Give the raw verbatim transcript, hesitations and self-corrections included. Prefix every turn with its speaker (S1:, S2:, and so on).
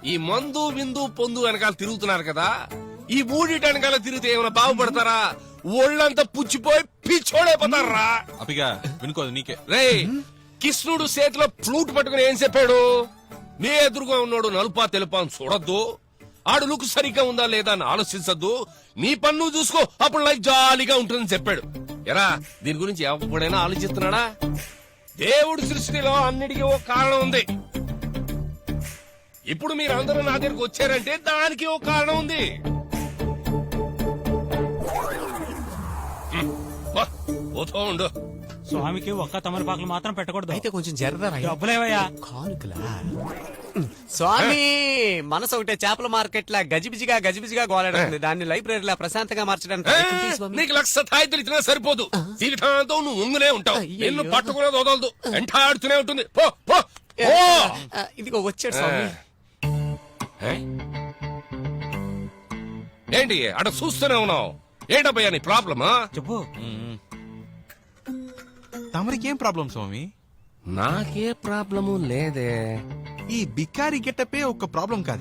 S1: ఈ మందు విందు పొందు వెనకాల తిరుగుతున్నారు కదా, ఈ మూడిటి వెనకాల తిరిగితే ఏమైనా బాగుపడతారా? ఒళ్ళంతా పుచ్చిపోయి పిచ్చోడైపోతారా?
S2: అపిగా వినుకోదు నీకే.
S1: రే, కృష్ణుడు చేతిలో ఫ్లూట్ పట్టుకుని ఏం చెప్పాడు? నీ ఎదురుగా ఉన్నాడు నలుపా తెలుపా అని చూడొద్దు, ఆడు లుక్ సరిగ్గా ఉందా లేదా అని ఆలోచించద్దు, నీ పన్ను చూసుకో, అప్పుడు లైఫ్ జాలీగా ఉంటుందని చెప్పాడు. ఎరా, దీని గురించి ఎప్పుడైనా ఆలోచిస్తున్నాడా? దేవుడి సృష్టిలో అన్నిటికీ ఓ కారణం ఉంది. ఇప్పుడు మీరు అందరూ నా దగ్గరకు వచ్చారంటే దానికి ఓ కారణం ఉంది. వా, పోతూ ఉండు.
S3: స్వామికి ఒక్క తమలపాకులు మాత్రం పెట్టకూడదు.
S4: అయితే కొంచెం జరదా
S3: డబ్బులేవయ్యా.
S4: కానుకలా స్వామి, మనసు ఒకటే చేపల మార్కెట్ లా గజిబిజిగా గజిబిజిగా గోలాడుతుంది. దాన్ని లైబ్రరీలా ప్రశాంతంగా మార్చడానికి
S1: ఏ,
S4: ప్రయత్నం చేయి స్వామి.
S1: నీకు లక్ష తాయితులు ఇచ్చినా సరిపోదు. జీవితాంతం నువ్వు ఉంగునే ఉంటావు.
S4: అయ్యయ్యో.
S1: నిన్ను పట్టుకునేది వదలదు, ఎంటాడుతూనే ఉంటుంది. పో పో పో.
S4: ఆ, ఇదిగో వచ్చాడు స్వామి.
S1: ఏ? ఏంటి అట చూస్తూనే ఉన్నావు? ఏంటబ్బయ్యా నీ ప్రాబ్లమా?
S3: చెప్పు.
S2: తమరికేం ప్రాబ్లం స్వామి?
S1: నాకే ప్రాబ్లము లేదే.
S2: ఈ బికారి గెటపే ఒక ప్రాబ్లం కాదు.